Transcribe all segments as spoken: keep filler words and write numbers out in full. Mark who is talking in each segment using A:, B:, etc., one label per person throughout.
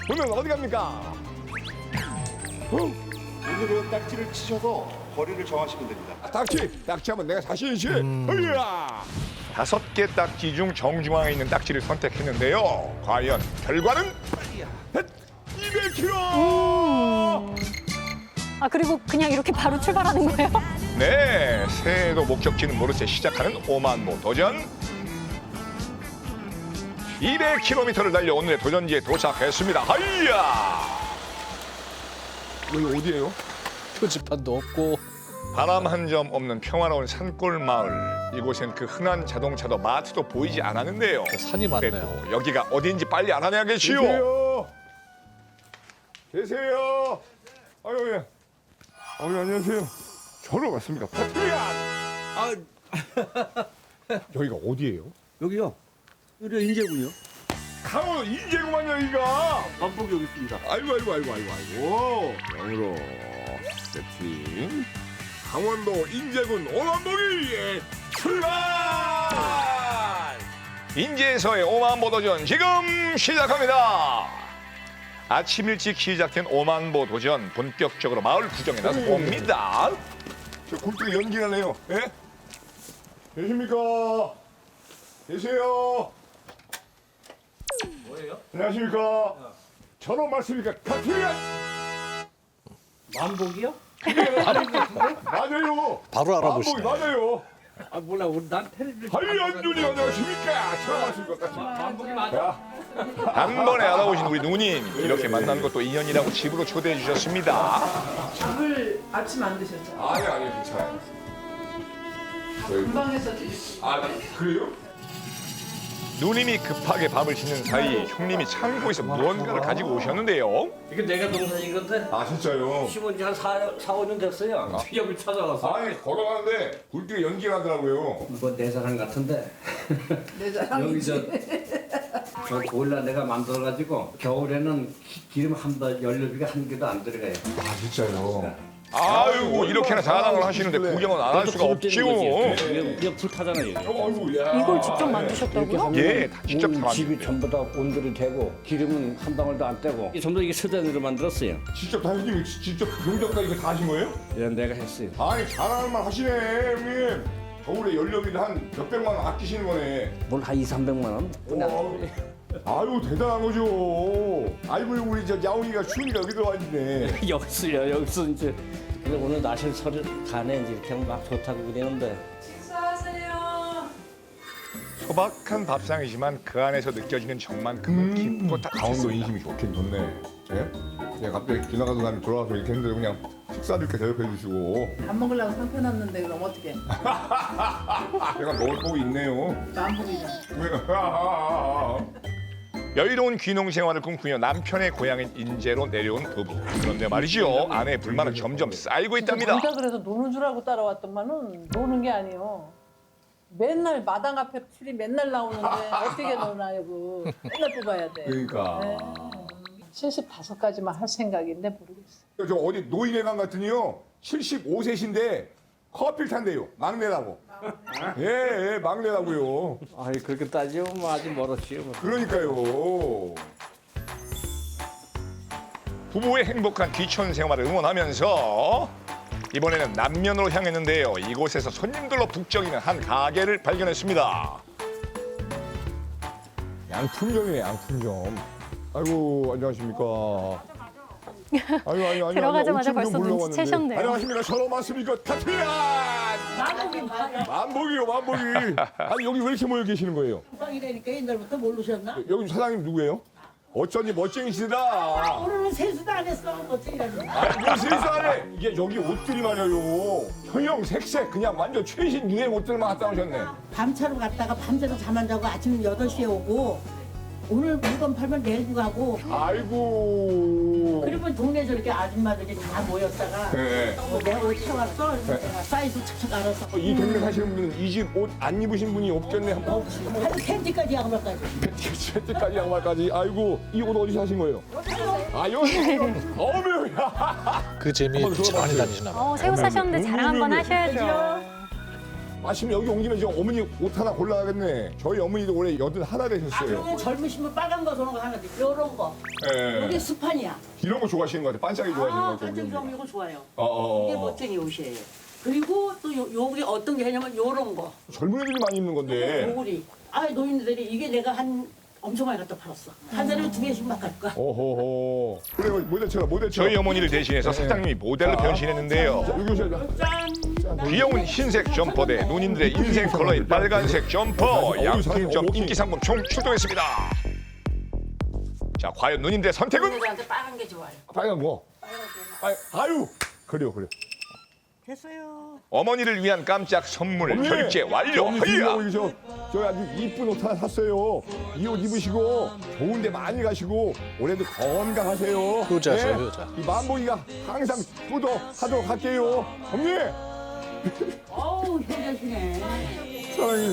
A: 보면 어디 갑니까? 어?
B: 오늘은 딱지를 치셔서 거리를 정하시면 됩니다.
A: 아, 딱지! 딱지 하면 내가 자신 있지? 으야! 다섯 개 딱지 중 정중앙에 있는 딱지를 선택했는데요. 과연 결과는 이백 킬로그램!
C: 아 그리고 그냥 이렇게 바로 출발하는 거예요?
A: 네, 새해도 목적지는 모른 채 시작하는 오만보 도전. 이백 킬로미터를 달려 오늘의 도전지에 도착했습니다. 하이야! 여기 어디예요?
D: 표지판도 없고
A: 바람 한 점 없는 평화로운 산골 마을. 이곳엔 그 흔한 자동차도 마트도 보이지 않았는데요.
D: 산이 많네요.
A: 그래도 여기가 어디인지 빨리 알아내야겠지요. 계세요. 계세요. 아유, 예. 아유, 안녕하세요. 저로 왔습니까? 파트리안.
E: 아,
A: 여기가 어디예요?
E: 여기요. 여기 인제군요.
A: 강원도 인제구만 여기가.
E: 반복이 여기 있습니다.
A: 아이고 아이고 아이고 아이고 아이고. 영으로 세팅. 강원도 인제군 오만보기 출발! 인제에서의 오만보 도전 지금 시작합니다. 아침 일찍 시작된 오만보 도전 본격적으로 마을 구경에 나서 봅니다. 저 굴뚝에 연기가 나네요. 예? 계십니까? 계세요?
E: 뭐예요?
A: 안녕하십니까? 저런 말씀입니까? 카트리안!
E: 만복이요?
A: 맞아요.
D: 바로 알아보시네.
A: 만복이 맞아요.
E: 아 몰라. 우리 난 텔레비전.
A: 한리안준이 안녕하십니까? 처음 왔습니까?
E: 만복이 맞아.
A: 단번에 알아보신 우리 누님 이렇게 만나는 것도 인연이라고 집으로 초대해 주셨습니다.
F: 밥을 아침 안 드셨죠?
A: 아니 아니 괜찮아요.
F: 금방 해서 드실
A: 아 그래요? 누님이 급하게 밥을 짓는 사이 형님이 창고에서 무언가를 가지고 오셨는데요.
E: 이게 내가 동생인 건데
A: 아 진짜요?
E: 심은 지한 사, 사, 오 년 됐어요. 여기 찾아왔어.
A: 아니 걸어가는데 굴뚝에 연기가 나더라고요.
E: 이거 내 자랑 같은데.
F: 내
E: 여기
F: 자랑이지.
E: 저, 저 보일러 내가 만들어가지고 겨울에는 기- 기름 한 번 연료비가 한 개도 안 들어가요.
A: 아 진짜요? 아이고 이렇게나 자랑을 하시는데 구경은 안 할 수가 없지요.
E: 이거 불 타잖아요. 여기.
A: 아이고 야.
C: 이걸 직접 만드셨다고요?
A: 예, 다 직접 다
E: 온 집이
A: 만드는데요.
E: 전부 다 온돌이 되고 기름은 한 방울도 안 떼고 전부 다 이게 서dan으로 만들었어요.
A: 직접 다 형님이 지- 직접 용접까지 이거 다 하신 거예요?
E: 예, 내가 했어요.
A: 아니 잘하는 말 하시네 형님. 겨울에 연료비를 한 몇백만 원 아끼시는 거네.
E: 뭘 한 이삼백만 원?
A: 어. 아유 대단한 거죠. 아이고 우리 저 야옹이가 춘이가 여기 들어와있네.
E: 여기서요. 여기서 이제 그래, 오늘 날씨는 서를 가네 이제 이렇게 하면 막 좋다고 그러는데
F: 식사하세요.
A: 소박한 밥상이지만 그 안에서 느껴지는 정만큼은 깊고 딱 강원도 인심이 좋긴 좋네. 예? 제가 갑자기 지나가던 사람이 돌아와서 이렇게 했는데 그냥 식사도 이렇게 대접해 주시고
F: 밥 먹으려고 상편놨는데 그럼 어떻게?
A: 제가 먹을 복이 있네요.
F: 만복이잖아.
A: 여유로운 귀농 생활을 꿈꾸며 남편의 고향인 인제로 내려온 부부. 그런데 말이죠. 아내의 불만은 점점 쌓이고 있답니다.
F: 우리가 그래서 노는 줄 알고 따라왔더만은 노는 게 아니에요. 맨날 마당 앞에 풀이 맨날 나오는데 어떻게 노나요? 그 맨날 뽑아야 돼.
A: 그러니까.
F: 네. 칠십오 가지만 할 생각인데 모르겠어요.
A: 저 어디 노인회관 같으니요. 칠십오 세신데 커피를 탄대요. 막내라고. 예, 예, 막내라고요.
E: 아이 그렇게 따지면 뭐 아직 멀었지요. 뭐.
A: 그러니까요. 부부의 행복한 귀촌 생활을 응원하면서 이번에는 남면으로 향했는데요. 이곳에서 손님들로 북적이는 한 가게를 발견했습니다. 양품점이네, 양품점. 아이고, 안녕하십니까. 아유, 아유, 아유,
C: 들어가자마자
A: 아유,
C: 벌써
A: 옷좀
C: 눈치채셨네요.
A: 물러왔는데. 안녕하십니까. 저런 맞습니까? 카트리안! 만복이요, 만복이. 아니, 여기 왜 이렇게 모여 계시는 거예요?
G: 빵이라니까 옛날부터 모르셨나?
A: 여기 사장님 누구예요? 어쩐지 멋쟁이시다.
G: 오늘은 세수도 안 했어. 어쩌라는
A: 아니, 세상에 이게 여기 옷들이 말이에요. 형형 색색 그냥 완전 최신 유행 옷들만 갖다 오셨네.
G: 밤차로 갔다가 밤새도 잠 안 자고 아침 여덟 시에 오고 오늘 물건 팔면 내일도 가고
A: 아이고.
G: 그러면 동네 저렇게 아줌마들이 다 모였다가
A: 네.
G: 어, 내가 옷 사왔어. 그래서 내가 사이즈 착착 알아서
A: 이 동네 사시는 분은 이 집 옷 안 입으신 분이 없겠네. 한번
G: 한 팬티까지 양말까지.
A: 채때까지 양말까지. 아이고 이 옷 어디서 사신 거예요? 아 여기. 어머.
D: 그 재미에 빛이 많이 다니시나 봐요.
C: 어, 새우 사셨는데 자랑 한번 하셔야죠.
A: 마침 여기 온 김에 저 어머니 옷 하나 골라야겠네. 저희 어머니도 올해 여든 하나
G: 아,
A: 되셨어요.
G: 그러면 젊으시면 빨간 거 저런 거 하나 돼. 요런 거.
A: 예.
G: 이게 스판이야.
A: 이런 거 좋아하시는 것 같아요. 반짝이 좋아하시는 것
G: 아,
A: 같아요.
G: 반짝이
A: 우리
G: 좀
A: 어머니.
G: 이거 좋아요.
A: 어, 어,
G: 이게
A: 어.
G: 멋쟁이 옷이에요. 그리고 또 요, 요게 어떤 게 하냐면 요런 거.
A: 젊은 애들이 많이 입는 건데.
G: 요구리. 아, 노인들이 이게 내가 한 엄청 많이 갖다 팔았어. 한 사람에 두 개씩 막 갈 거야.
A: 오호호. 그래 모델처럼 모델처럼.
H: 저희 어머니를 대신해서 사장님이 모델로 변신했는데요.
A: 자, 여기 오셔야죠.
H: 귀여운 흰색 점퍼 대 누님들의 인생 컬러인 빨간색 점퍼. 양품점 인기 상품 총 출동했습니다. 자, 과연 누님들의 선택은?
G: 노인들한테 빨간 게 좋아요.
A: 빨간 거. 빨 아유. 그래요 그래요.
G: 됐어요.
H: 어머니를 위한 깜짝 선물 결제 완료.
A: 어머니
H: 허이야.
A: 어머니 저, 저 아주 이쁜 옷 하나 샀어요. 이 옷 입으시고 좋은 데 많이 가시고 올해도 건강하세요.
D: 효자죠, 효자.
A: 이 만보기가 항상 효도하도록 할게요. 어머니
G: 어우, 효자시네.
A: 사랑해요.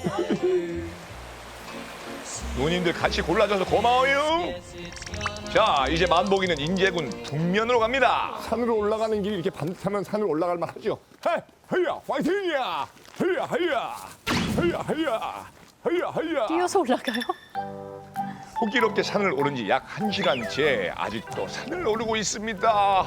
H: 누님들 같이 골라줘서 고마워요. 자, 이제 만보기는 인제군 북면으로 갑니다.
A: 산으로 올라가는 길이 이렇게 반듯하면 산으로 올라갈 만하죠. 헤, 헤야, 파이팅이야. 헤야, 헤야, 헤야, 헤야, 헤야, 헤야.
C: 뛰어서 올라가요?
H: 호기롭게 산을 오른 지 약 한 시간째 아직도 산을 오르고 있습니다.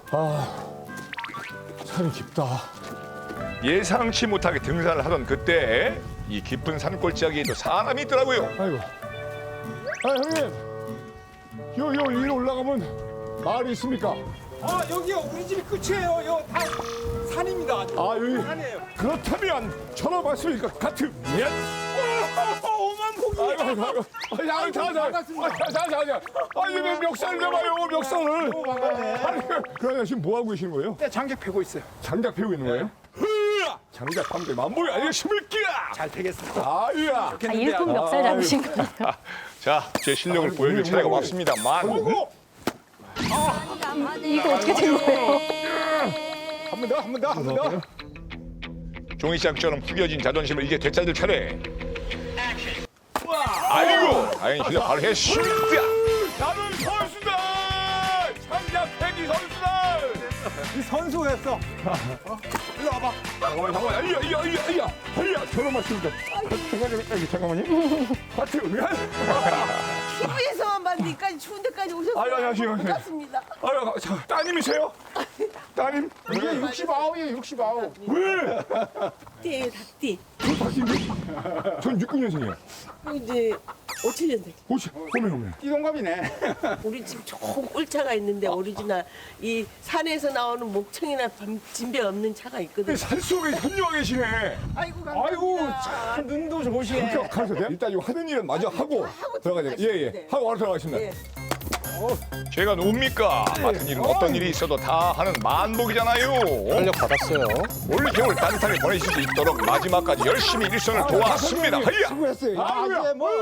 A: 산이 깊다.
H: 예상치 못하게 등산을 하던 그때 이 깊은 산골짜기에도 사람이 있더라고요.
A: 아이고. 아 형님, 요, 요 위로 올라가면 마을이 있습니까?
I: 아 여기요 우리 집이 끝이에요. 요 다 산입니다.
A: 아 여기.
I: 산이에요.
A: 그렇다면 전화받습니까? 같은 예.
I: 오만 보기.
A: 아이고 아이고 아이고. 아, 자, 자, 자,
I: 반갑습니다.
A: 자, 자, 자, 자. 아니 왜 멱살을 잡아요, 멱살을.
I: 오, 반갑네.
A: 아니 그러냐 지금 뭐 하고 계시는 거예요?
I: 네, 장작 패고 있어요.
A: 장작 패고 있는 거예요? 흐야! 장작 파면 만보기 아니겠습니까?
I: 잘 되겠습니다.
A: 아야.
C: 아, 일품 멱살 잡으신 거예요?
H: 자, 제 실력을 보여줄 차례가 왔습니다만
C: 이거 어떻게 된 거예요?
I: 한 번 더, 한 번 더, 한 번 더.
H: 종이장처럼 구겨진 자존심을 이제 되찾을 차례. 아이고, 다행히 실력 발휘했습니다.
A: 나는 선수다. 장작 패기 선수다.
I: 이 선수였어. 어? 일로 와봐.
A: 잠깐만 잠깐만. 아야 아야 아야 아야. 아야 저런 말씀이죠. 잠깐만요. 잠깐만요. 하트 미안.
J: 티비에서만 봤으니까 추운 데까지 오셨어요.
A: 아유, 안녕하세요.
J: 반갑습니다.
A: 아유 자, 따님이세요? 따님?
I: 이게 육십구이에요, 육십구.
A: 왜?
J: 닭띠예요, 닭띠.
A: 저 박인데? 전 육십 년생이에요.
J: 그 이제 오칠 년생.
A: 혹시 호메 호메.
I: 띠동갑이네.
J: 우리 집 좋은 꿀차가 있는데 오리지널 이 산에서 나오는 목청이나 밤- 진배 없는 차가 있거든요.
A: 산속에 현녀가 계시네.
J: 아이고
I: 아이고
J: 감사합니다.
I: 참 눈도 좋으시네.
A: 그렇게 가서 돼요? 일단 이거 하는 일은 마저 하고 들어가야 돼요. 예예.
J: 네.
A: 하고 바로 들어가겠습니다.
J: 예.
H: 제가 뭡니까? 같은 일은 어떤 일이 있어도 다 하는 만복이잖아요.
D: 탄력 받았어요.
H: 올 겨울 따뜻하게 보내실 수 있도록 마지막까지 열심히 일선을 도왔습니다. 하야!
I: 수고했어요.
A: 아유야.
I: 이제 뭐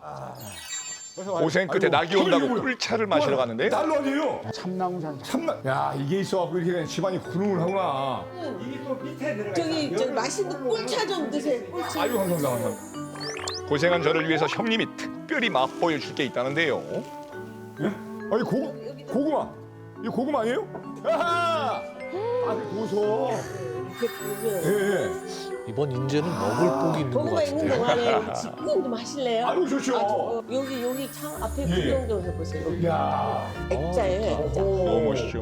H: 고생 끝에 낙이 온다고
A: 아이고,
H: 꿀차를 마시러 갔는데
A: 난로 아니에요?
I: 참나무 산.
A: 참나. 야 이게 있어갖고 이렇게 그냥 집안이 구름을 하구나.
I: 이게 또 밑에 들어가.
J: 저기 저 맛있는 꿀차 좀 드세요. 꿀차.
A: 아이고 감사합니다. 감사합니다.
H: 고생한 저를 위해서 형님이 특별히 맛보여 줄 게 있다는데요.
A: 아니 고 고구마. 이 고구마 아니에요? 아하. 아 고소.
J: 이렇게 보면
A: 예. 예.
D: 이번 인재는 먹을 복이 있는 것
J: 고구마 있는
D: 같은데.
J: 동안에 집구경 좀 하실래요?
A: 아유 좋죠.
J: 아, 저, 어, 여기 여기 창 앞에
A: 예.
J: 구경 좀 해보세요.
A: 야.
J: 액자예요, 액자.
H: 너무 멋있죠?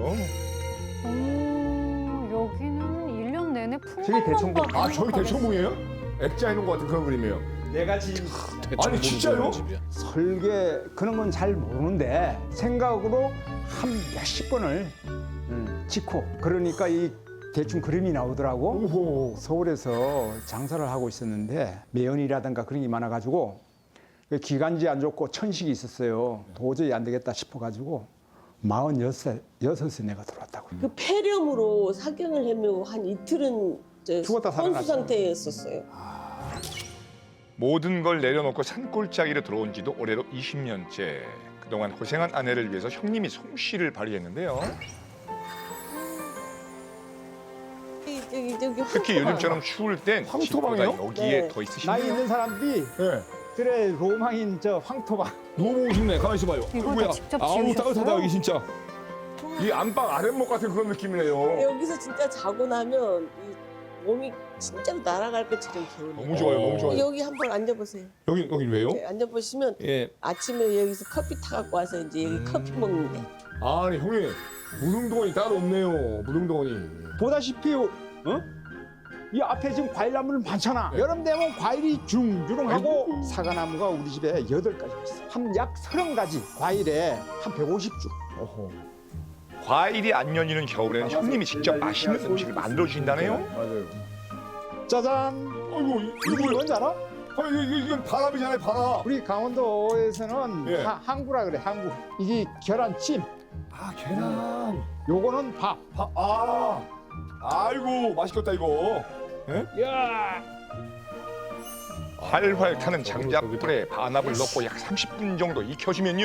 C: 오, 여기는 일 년 내내
I: 저기 대청봉.
C: 풍광만
A: 아 저기 대청봉이에요? 액자 해놓은 것 같은 그런 그림이에요.
I: 내가 지금
A: 아니, 진짜요?
D: 집이야.
K: 설계 그런 건 잘 모르는데 생각으로 한 몇십 번을 음, 짓고 그러니까 이 대충 그림이 나오더라고.
A: 오호.
K: 서울에서 장사를 하고 있었는데 매연이라든가 그런 게 많아가지고 그 기관지 안 좋고 천식이 있었어요. 도저히 안 되겠다 싶어가지고 마흔여섯 여섯에 내가 들어왔다고.
J: 그 폐렴으로 사경을 헤매고 한 이틀은 저
K: 죽었다 살아났어요.
J: 혼수 상태였었어요.
H: 모든 걸 내려놓고 산골짜기로 들어온 지도 올해로 이십 년째. 그동안 고생한 아내를 위해서 형님이 솜씨를 발휘했는데요.
J: 저기 저기
H: 특히 요즘처럼 추울 땐
A: 황토방이요?
H: 집보다 여기에
J: 네.
K: 나이
H: 더 있으시네요.
K: 있는 사람들이
A: 예.
K: 그래 로망인 저 황토방.
A: 너무 보고 싶네. 가만 있어봐요.
C: 이걸 다
A: 아이고야.
C: 직접
A: 아우
C: 지으셨어요?
A: 따뜻하다 여기 진짜. 이 안방 아랫목 같은 그런 느낌이네요.
J: 여기서 진짜 자고 나면 이 몸이 진짜로 날아갈 것처럼 개운해요.
A: 너무 좋아요, 너무 좋아요.
J: 여기 한번 앉아보세요.
A: 여기 여기 왜요?
J: 네, 앉아보시면
A: 예.
J: 아침에 여기서 커피 타갖고 와서 이제 여기 커피 먹는데.
A: 아니 형님 무릉도원이 따로 없네요. 무릉도원이.
K: 보다시피 어? 이 앞에 지금 과일나무들 많잖아. 여름 되면 과일이 주렁주렁하고 사과나무가 우리 집에 여덟 가지 있어. 한 약 서른 가지 과일에 한 백오십 주.
A: 어허.
H: 과일이 안 열리는 겨울에는 형님이 직접 맛있는 음식을 만들어 주신다네요.
A: 맞아요.
K: 짜잔.
A: 아이고
K: 이거 뭔지 알아?
A: 아, 이거, 이거, 이건 바람이잖아요, 바람.
K: 우리 강원도에서는
A: 예.
K: 하- 항구라 그래, 항구. 이게 계란찜.
A: 아, 계란.
K: 요거는 밥.
A: 아, 아. 아이고, 맛있겠다, 이거.
K: 야.
H: 활활 타는 장작불에 반합을 넣고 약 삼십 분 정도 익혀주면요.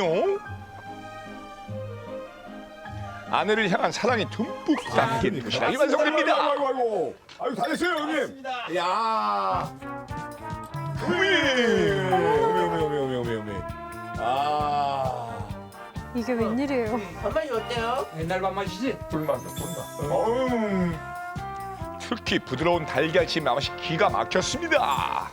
H: 아내를 향한 사랑이 듬뿍 담긴 도시락이 완성됩니다.
A: 아이고, 아이고, 아이고. 아이고, 다 됐어요, 형님. 야 어머니. 어머니, 어머니, 어머니, 어머니, 어머니. 아.
C: 이게 웬일이에요?
J: 밥맛이 어때요?
I: 옛날 밥맛이지?
A: 불만, 불만. 어음.
H: 특히 부드러운 달걀찜 맛이 기가 막혔습니다.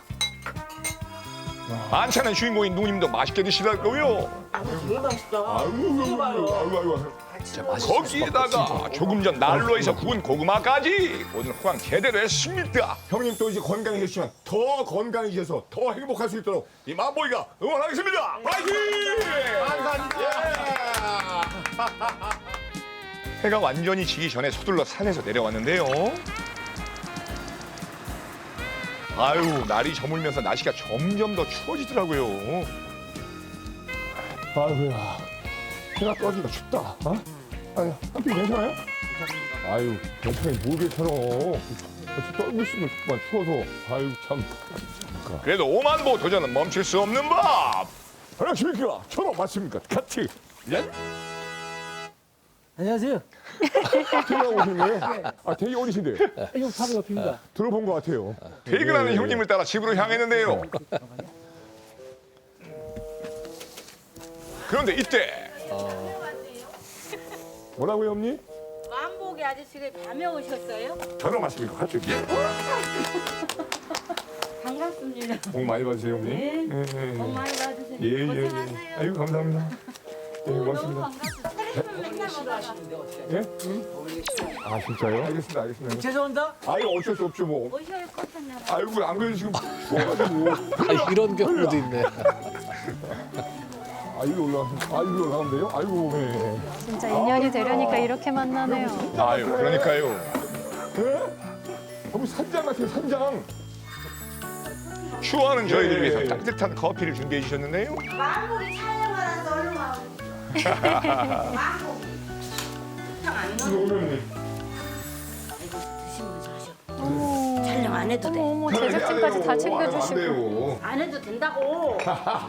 H: 만찬의 주인공인 누님도 맛있게 드시라고요.
J: 아, 되게 맛있다.
A: 아이고, 아이고, 아이고, 아이고.
H: 거기에다가 조금 전 난로에서 구운 고구마까지 오늘 호강 제대로 했습니다.
A: 형님 또 이제 건강해지시면 더 건강해져서 더 행복할 수 있도록 이 만보이가 응원하겠습니다. 파이팅! 감사합니다.
H: 해가 완전히 지기 전에 서둘러 산에서 내려왔는데요. 아유, 날이 저물면서 날씨가 점점 더 추워지더라고요.
A: 아이고야, 해가 떠지니까 춥다. 어? 아니, 한피 괜찮아요? 아유, 괜찮아요. 뭘 괜찮아. 떨고 있으면 춥구만, 추워서. 아유, 참.
H: 그래도 오만보 도전은 멈출 수 없는 법.
A: 안녕하십니까? 저로 맞습니까? 같이. 예?
I: 안녕하세요.
A: 퇴근하고 오신 거예요? 아, 되게 어리신데.
I: 이거 바로 옆입니다.
A: 들어본 것 같아요.
H: 퇴근하는
A: 예, 예.
H: 형님을 따라 집으로 향했는데요. 그런데 이때
A: 뭐라고요, 형님?
L: 만복이 아저씨가 밤에 오셨어요?
A: 저로 맞습니까? 같이. 예.
L: 반갑습니다.
A: 복 많이 받으세요, 형님.
L: 네.
A: 예, 예,
L: 복 많이 받으세요.
A: 예, 예, 예.
L: 고생하세요.
A: 아유, 감사합니다. 예,
L: 너무
A: 고맙습니다.
L: 반갑습니다. 테레비만 맨날 보다가.
A: 예? 아, 진짜요? 알겠습니다, 알겠습니다.
I: 죄송합니다.
A: 아유, 어쩔 수 없죠, 뭐.
L: 오셔야 것 같냐.
A: 아이고, 안 그래도 지금 추워가지고.
D: 아, 이런 경우도 있네.
A: 아, 이거 올라가면, 아, 이거 올라가면 돼요? 아이고, 예.
C: 진짜 인연이 되려니까 이렇게 만나네요.
H: 아유, 그러니까요.
A: 예? 너무 산장 같아요, 산장.
H: 추워하는 저희를
A: 예,
H: 위해서
A: 예.
H: 따뜻한 커피를 준비해 주셨는데요.
L: 만복이 촬영하라서 얼른 와. 만복이. 탕안
A: 이거
L: 넣어.
A: 오늘
L: 드시면서 하셔. 촬영 안 해도 돼.
C: 어머, 제작진까지 다 챙겨주시고.
A: 챙겨주시고.
L: 안 해도 된다고.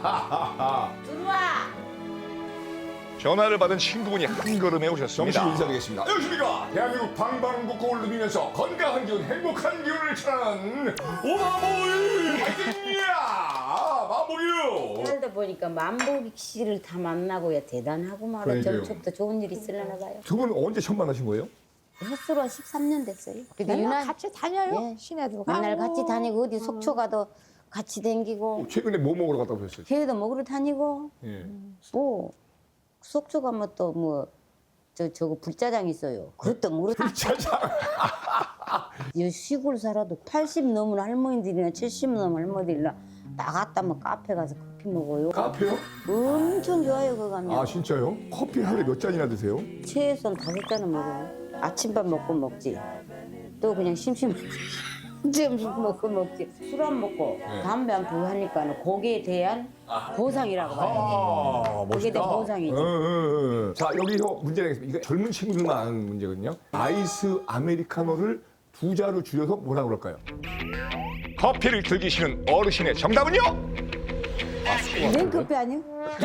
L: 들어와.
H: 전화를 받은 친구분이 한 걸음에
A: 정식
H: 오셨습니다.
A: 인사드리겠습니다. 안녕하십니까. 대한민국 방방곡곡을 누비면서 건강한 기운, 행복한 기운을 전하는 오마보이 화이팅이야! 마보이요!
L: 살다 보니까 만복이 씨를 다 만나고야 대단하고 말아.
A: 그러니까요.
L: 점쪽도 좋은 일 있으려나 봐요.
A: 두 분은 언제 처음 만나신 거예요?
L: 햇수로 한 십삼 년 됐어요. 그래도
G: 맨날
L: 유난
G: 같이 다녀요.
L: 네.
G: 시내도
L: 맨날
G: 가고.
L: 같이 다니고 어디 속초 가도 같이 다니고
A: 최근에 뭐 먹으러 갔다 오셨어요?
L: 회도 먹으러 다니고
A: 예.
L: 뭐 속초 가면 또 뭐 저 저거 불짜장 있어요. 그것도 모르고
A: 짜장.
L: 이 시골 살아도 팔십 넘은 할머니들이나 칠십 넘은 할머니들이나 나갔다면 카페 가서 커피 먹어요.
A: 카페요?
L: 엄청 좋아요 그거 가면.
A: 아, 진짜요? 커피 하루에 몇 잔이나 드세요?
L: 최소한 다섯 잔은 먹어요. 아침밥 먹고 먹지. 또 그냥 심심할 때 점심 먹고 먹지. 술 안 먹고 담배 안 피고 하니까는 거기에 대한 보상이라고 봐요.
A: 아, 멋있다.
L: 그게 내 보상이지.
A: 응, 응, 응. 자, 여기서 문제 내겠습니다. 이거 젊은 친구들만 아는 문제거든요. 아이스 아메리카노를 두 자로 줄여서 뭐라 그럴까요?
H: 커피를 즐기시는 어르신의 정답은요?
L: 냉커피 아니요?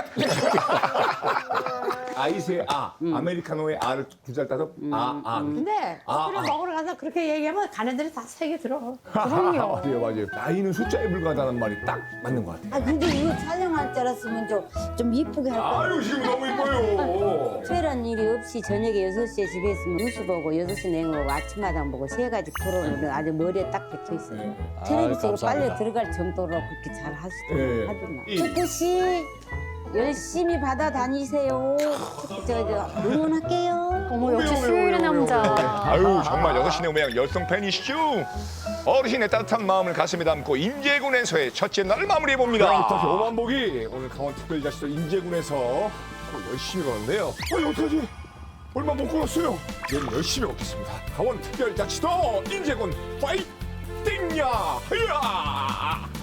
A: 아이스의 아, 아메리카노의 아를 두 잘 따서 아, 아.
G: 근데
A: 아,
G: 커피를
A: 아.
G: 먹으러 가서 그렇게 얘기하면 가는 데를 다 세게 들어.
A: 맞아요, 맞아요. 나이는 숫자에 불과하다는 말이 딱 맞는 것 같아요.
L: 아 근데 이거 촬영할 줄 알았으면 좀, 좀 이쁘게 할 거야.
A: 아유, 지금 너무 이뻐요.
L: 특별한 일이 없이 저녁에 여섯 시에 집에 있으면 뉴스 보고 여섯 시 냉 보고 아침마당 보고 세 가지 프로는 아주 머리에 딱 박혀 있어요. 텔레비전에 빨려 들어갈 정도로 그렇게 잘 하시더라고요.
A: 네.
L: 하더만.
A: 이-
L: 축구 씨 열심히 받아 다니세요. 저, 저 응원할게요.
C: 어머 역시 수요일의 남자.
A: 아유, 정말 여섯 시내 모양 열성 팬이시죠? 어르신의 따뜻한 마음을 가슴에 담고 인제군에서의 첫째 날을 마무리해 봅니다.
H: 다시 오만복이 오늘 강원 특별자치도 인제군에서 열심히 거는데요. 어, 어떡하지? 얼마 못 걸었어요. 내일 열심히 걷겠습니다. 강원 특별자치도 인제군 파이팅야! 흐야!